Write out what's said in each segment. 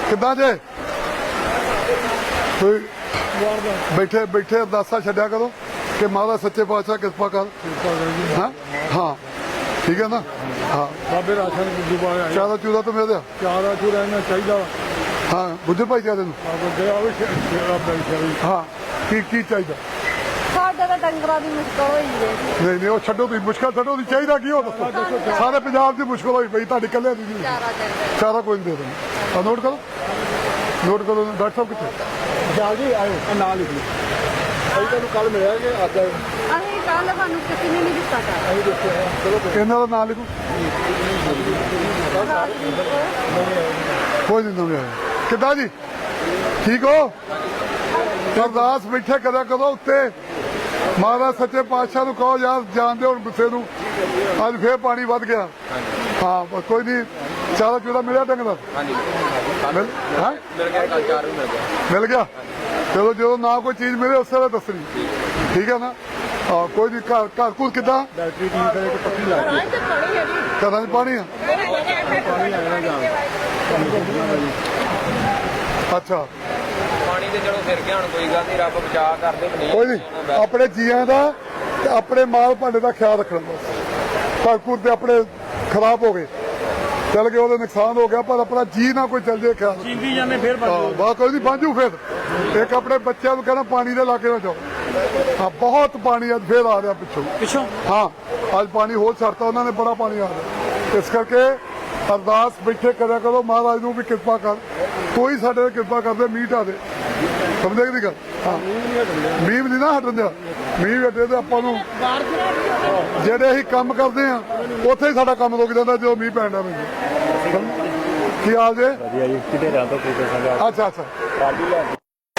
ਕਿੱਦਾਂ ਜੇ ਕੋਈ ਬੈਠੇ ਬੈਠੇ ਅਰਦਾਸਾਂ ਛੱਡਿਆ ਕਰੋ ਕਿ ਮਹਾਰਾਜ ਸੱਚੇ ਪਾਤਸ਼ਾਹ ਕਿਰਪਾ ਕਰ। ਹਾਂ ਹਾਂ ਠੀਕ ਹੈ ਨਾ। ਹਾਂ ਬਾਬੇ ਰਾਸ਼ਨ ਦੁਬਾਰਾ ਚਾਰਾ ਚੂਰਾ ਤਾਂ ਮਿਲ ਚਾਰਾ ਚੂਰਾ ਇਹਨਾਂ ਚਾਹੀਦਾ। ਹਾਂ ਗੁੱਜਰ ਭਾਈਚਾਰੇ ਨੂੰ ਹਾਂ ਕੀ ਚਾਹੀਦਾ? ਸਾਡੇ ਤਾਂ ਡੰਗਰਾਂ ਦੀ ਮੁਸ਼ਕਲ ਹੋਈ ਹੈ। ਨਹੀਂ ਨਹੀਂ ਉਹ ਛੱਡੋ, ਤੁਸੀਂ ਮੁਸ਼ਕਲ ਛੱਡੋ, ਦੀ ਚਾਹੀਦਾ ਕੀ ਹੋ ਦੱਸੋ। ਸਾਰੇ ਪੰਜਾਬ ਦੀ ਮੁਸ਼ਕਲ ਹੋਈ ਪਈ, ਤੁਹਾਡੀ ਇਕੱਲੇ ਦੀ ਨਹੀਂ। ਚਾਰਾ ਕੋਈ ਨਹੀਂ ਦੇ ਦੇਣਾ। ਨੋਟ ਕਰੋ ਡਾਕਟਰ ਸਾਹਿਬ ਕਿੱਥੇ? ਜਲਦੀ ਆਇਓ ਨਾਲ ਲਿਖ ਲਓ। ਅਸੀਂ ਤੁਹਾਨੂੰ ਕੱਲ ਮਿਲਿਆ ਕਿ ਅੱਜ ਆਏ? ਅਸੀਂ ਕੱਲ ਸਾਨੂੰ ਕਿਸੇ ਨੇ ਨਹੀਂ ਦਿੱਤਾ ਕਰ। ਅਸੀਂ ਦੇਖਿਆ ਚਲੋ ਇਹਨਾਂ ਦਾ ਨਾਂ ਲਿਖੋ। ਕੋਈ ਨਹੀਂ ਨਵੇਂ ਆਇਆ। ਕਿੱਦਾਂ ਜੀ ਠੀਕ ਹੋ? ਅਰਦਾਸ ਬੈਠੇ ਕਰਿਆ ਕਰੋ ਉੱਤੇ। ਮਹਾਰਾਜ ਸੱਚੇ ਪਾਤਸ਼ਾਹ ਨੂੰ ਕਹੋ ਯਾਰ ਜਾਣਦੇ ਹੁਣ ਗੁੱਸੇ ਨੂੰ। ਅੱਜ ਫੇਰ ਪਾਣੀ ਵੱਧ ਗਿਆ। ਹਾਂ ਕੋਈ ਨਹੀਂ। ਚਾਰਾ ਚੂਰਾ ਮਿਲਿਆ ਡੰਗ ਦਾ? ਮਿਲ ਗਿਆ। ਚਲੋ ਜਦੋਂ ਨਾ ਕੋਈ ਚੀਜ਼ ਮਿਲੇ ਉਸੇ ਵੇਲੇ ਦੱਸਣੀ, ਠੀਕ ਹੈ ਨਾ। ਹਾਂ ਕੋਈ ਨਹੀਂ। ਘਰ ਘੁਰ ਕਿੱਦਾਂ? ਡਾਕਟਰੀ ਠੀਕ ਕਰੇ ਕਿ ਪੱਕੀ ਲਾ ਕੇ ਘਰਾਂ 'ਚ ਪਾਣੀ ਆ? ਅੱਛਾ ਪਾਣੀ ਤੇ ਚਲੋ ਫਿਰ ਗਿਆ ਹੁਣ, ਕੋਈ ਗੱਲ ਨਹੀਂ, ਰੱਬ ਬਚਾ ਕਰਦੇ। ਕੋਈ ਨਹੀਂ। ਆਪਣੇ ਜੀਆਂ ਦਾ ਤੇ ਆਪਣੇ ਮਾਲ ਭਾਂਡੇ ਦਾ ਖਿਆਲ ਰੱਖਣਾ ਬਸ। ਘਰ ਘੁਰ ਤੇ ਆਪਣੇ ਖਰਾਬ ਹੋ ਗਏ, ਚੱਲ ਗਏ, ਉਹਦਾ ਨੁਕਸਾਨ ਹੋ ਗਿਆ, ਪਰ ਆਪਣਾ ਜੀ ਨਾ ਕੋਈ ਚੱਲ ਜੇ ਖਿਆਲ। ਚੀਂਦੀ ਜਾਂਦੇ ਫਿਰ ਬਸ ਕੋਈ ਨਹੀਂ ਬਾਂਝੂ। ਫਿਰ ਇੱਕ ਆਪਣੇ ਬੱਚਿਆਂ ਨੂੰ ਕਹਿਣਾ ਪਾਣੀ ਦੇ ਇਲਾਕੇ ਨਾਲ ਜਾਓ। ਹਾਂ ਬਹੁਤ ਪਾਣੀ ਅੱਜ ਫੇਰ ਆ ਰਿਹਾ ਪਿੱਛੋਂ। ਹਾਂ ਅੱਜ ਪਾਣੀ ਹੋਰ ਛੱਡਤਾ ਉਹਨਾਂ ਨੇ, ਬੜਾ ਪਾਣੀ ਆ ਰਿਹਾ। ਇਸ ਕਰਕੇ ਅਰਦਾਸ ਬੈਠੇ ਕਰਿਆ ਕਰੋ ਮਹਾਰਾਜ ਨੂੰ ਵੀ ਕਿਰਪਾ ਕਰ। ਕੋਈ ਸਾਡੇ ਤੇ ਕਿਰਪਾ ਕਰਦੇ ਮੀਂਹ ਢਾ ਦੇ। ਸਮਝੇ ਕਿ ਨਹੀਂ ਗੱਲ? ਹਾਂ ਮੀਂਹ ਨਹੀਂ ਨਾ ਹਟਣ ਦਿਆ। ਮੀਂਹ ਹਟੇ ਤੇ ਆਪਾਂ ਨੂੰ ਜਿਹੜੇ ਅਸੀਂ ਕੰਮ ਕਰਦੇ ਆ ਉੱਥੇ ਹੀ ਸਾਡਾ ਕੰਮ ਰੁਕ ਜਾਂਦਾ ਜਦੋਂ ਮੀਂਹ ਪੈਂਦਾ। ਮੈਨੂੰ ਕੀ ਹਾਲ ਜੇ? ਵਧੀਆ ਜੀ। ਕਿਤੇ ਰਾਤੋਂ ਕੋਈ ਸੰਗਾ ਅੱਛਾ ਅੱਛਾ ਪਾਰਟੀ ਲੈ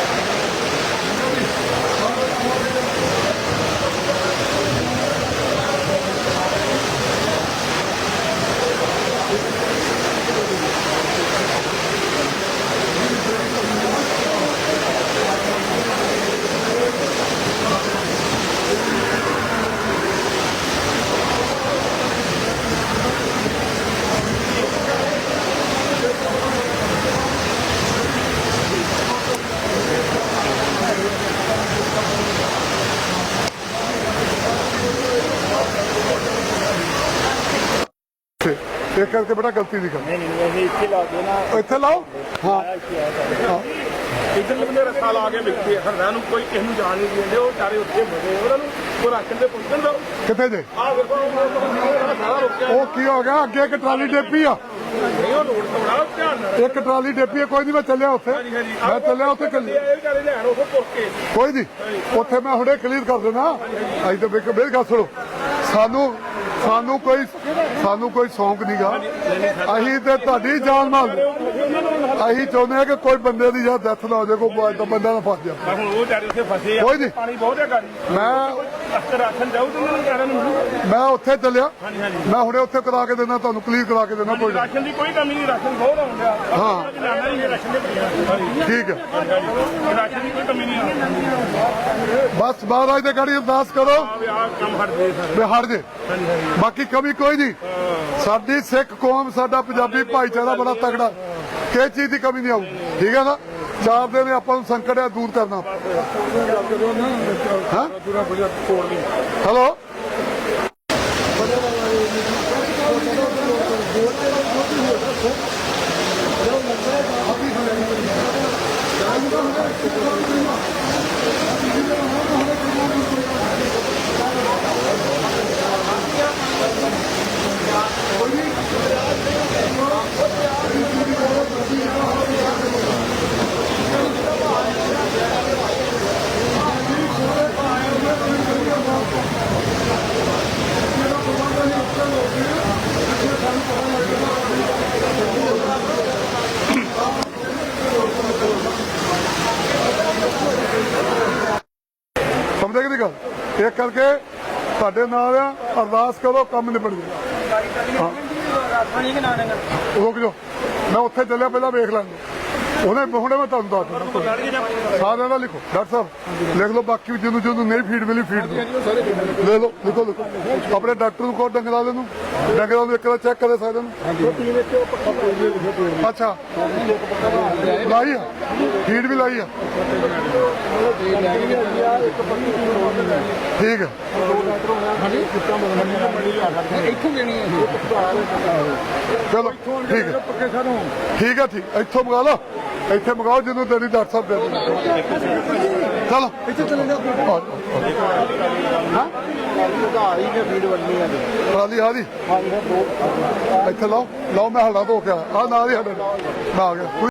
ਇਹ ਕਰਕੇ ਬੜਾ ਗਲਤੀ ਦੀ ਗੱਲ। ਨਹੀਂ ਅਸੀਂ ਇੱਥੇ ਲਾ ਕੇ ਨਾ ਇੱਥੇ ਲਾਓ। ਹਾਂ ਇੱਧਰ ਲੰਬੇ ਰਸਤਾ ਲਾ ਕੇ ਵਿਕਦੇ ਆ। ਹਰਦਾ ਨੂੰ ਕੋਈ ਕਿਸੇ ਨੂੰ ਜਾਣ ਨਹੀਂ ਦਿੰਦੇ। ਉਹ ਚਾਰੇ ਉੱਥੇ ਬਣੇ ਉਹਨਾਂ ਨੂੰ ਉਹ ਰਾਸ਼ਨ ਦੇ ਪੁੱਛਣ ਦਾ। ਕਿੱਥੇ ਜੇ? ਆਹ ਵੇਖੋ ਸਾਰਾ ਰੁਕਿਆ। ਉਹ ਕੀ ਹੋ ਗਿਆ? ਅੱਗੇ ਇੱਕ ਟਰਾਲੀ ਡੇਪੀ ਆ। ਨਹੀਂ ਉਹ ਰੋਡ ਤੋਂ ਬੜਾ ਧਿਆਨ ਨਾਲ। ਇੱਕ ਟਰਾਲੀ ਡੇਪੀ ਆ। ਕੋਈ ਨਹੀਂ ਮੈਂ ਚੱਲਿਆ ਉੱਥੇ। ਮੈਂ ਚੱਲਿਆ ਉੱਥੇ ਇਹ ਵਿਚਾਰੇ ਲੈਣ ਉਹ ਪੁੱਛ ਕੇ। ਕੋਈ ਨਹੀਂ ਉੱਥੇ ਮੈਂ ਹੁਣੇ ਕਲੀਅਰ ਕਰ ਦੇਣਾ। ਅਸੀਂ ਤਾਂ ਵੇਖ ਮੇਰੀ ਗੱਲ ਸੁਣੋ। ਸਾਨੂੰ ਕੋਈ ਸ਼ੌਂਕ ਨਹੀਂਗਾ। ਅਸੀਂ ਤੇ ਤੁਹਾਡੀ ਜਾਨ ਮਾਲ। ਅਸੀਂ ਚਾਹੁੰਦੇ ਹਾਂ ਕਿ ਕੋਈ ਬੰਦੇ ਦੀ ਜਾਂ ਡੈਥ ਨਾ ਹੋ ਜਾਏ, ਕੋਈ ਬੰਦਾ ਨਾ ਫਸ ਜਾਏ। ਹੁਣ ਉਹ ਚਾਰੇ ਉੱਥੇ ਫਸੇ ਆ। ਕੋਈ ਨਹੀਂ। ਪਾਣੀ ਬਹੁਤ ਹੈ ਗਾੜੀ। ਮੈਂ ਰਾਸ਼ਨ ਜਾਊ ਤੇ ਉਹਨਾਂ ਨੂੰ ਕਹਿਣਾ ਨੂੰ। ਮੈਂ ਉੱਥੇ ਚੱਲਿਆ। ਮੈਂ ਹੁਣੇ ਉੱਥੇ ਕਰਾ ਕੇ ਦੇਣਾ, ਤੁਹਾਨੂੰ ਕਲੀਅਰ ਕਰਾ ਕੇ ਦੇਣਾ। ਕੋਈ ਰਾਸ਼ਨ ਦੀ ਕੋਈ ਕਮੀ ਨਹੀਂ। ਰਾਸ਼ਨ ਬਹੁਤ ਆਉਂਦਾ। ਹਾਂ ਰਾਸ਼ਨ ਦੇ ਠੀਕ ਹੈ। ਰਾਸ਼ਨ ਦੀ ਕੋਈ ਕਮੀ ਨਹੀਂ। ਬਸ ਮਹਾਰਾਜ ਦੇ ਗਾੜੀ ਅਰਦਾਸ ਕਰੋ ਆਹ ਕੰਮ ਹਟ ਦੇ ਵੀ ਹਟ ਜੇ। ਬਾਕੀ ਕਮੀ ਕੋਈ ਨਹੀਂ। ਸਾਡੀ ਸਿੱਖ ਕੌਮ, ਸਾਡਾ ਪੰਜਾਬੀ ਭਾਈਚਾਰਾ ਬੜਾ ਤਗੜਾ। ਕਿਸੇ ਚੀਜ਼ ਦੀ ਕਮੀ ਨਹੀਂ ਆਊਗੀ। ਠੀਕ ਹੈ ਨਾ। 4 ਦਿਨ ਆਪਾਂ ਨੂੰ ਸੰਕਟ ਹੈ ਦੂਰ ਕਰਨਾ। ਹਾਂ ਹੈਲੋ ਸਮਝੇ ਕਿ ਨਹੀਂ ਗੱਲ? ਇਹ ਕਰਕੇ ਤੁਹਾਡੇ ਨਾਲ ਆ। ਅਰਦਾਸ ਕਰੋ ਕੰਮ ਨਿਬੜ ਜਾਏ। ਰੁਕ ਜਾਓ। ਮੈਂ ਉੱਥੇ ਚੱਲਿਆ, ਪਹਿਲਾਂ ਵੇਖ ਲਾਂਗੇ। ਉਹਨੇ ਹੁਣੇ ਮੈਂ ਤੁਹਾਨੂੰ ਦੱਸ ਦਿੰਦਾ ਸਾਰਿਆਂ ਦਾ ਲਿਖੋ ਡਾਕਟਰ ਸਾਹਿਬ ਲਿਖ ਲਓ ਬਾਕੀ ਜਿਹਨੂੰ ਨਹੀਂ ਫੀਡ ਮਿਲੀ ਫੀਡ ਦਿਓ ਲੈ ਲਓ ਲਿਖੋ ਆਪਣੇ ਡਾਕਟਰ ਨੂੰ ਕਹੋ ਡੰਗਰਾਂ ਵਾਲੇ ਨੂੰ ਇੱਕ ਵਾਰ ਚੈੱਕ ਕਰੇ ਸਾਰਿਆਂ ਨੂੰ ਅੱਛਾ ਲਾਈ ਆ ਫੀਡ ਵੀ ਲਾਈ ਆ ਠੀਕ ਹੈ ਇੱਥੋਂ ਦੇਣੀ ਹੈ ਚਲੋ ਠੀਕ ਹੈ ਠੀਕ ਹੈ ਠੀਕ ਇੱਥੋਂ ਮੰਗਾ ਲਓ ਇੱਥੇ ਮੰਗਾਓ ਜਿਹਨੂੰ ਤੇਰੀ ਡਾਕਟਰ ਸਾਹਿਬ ਦੇ ਚਲੋ ਇੱਥੇ ਚਲੇ ਜਾਓ ਟਰਾਲੀ ਆ ਜੀ ਇੱਥੇ ਲਾਓ ਮੈਂ ਹੱਲਾ ਧੋ ਕੇ ਆ ਨਾਲ ਹੀ ਸਾਡੇ ਨਾਲ ਆ ਗਿਆ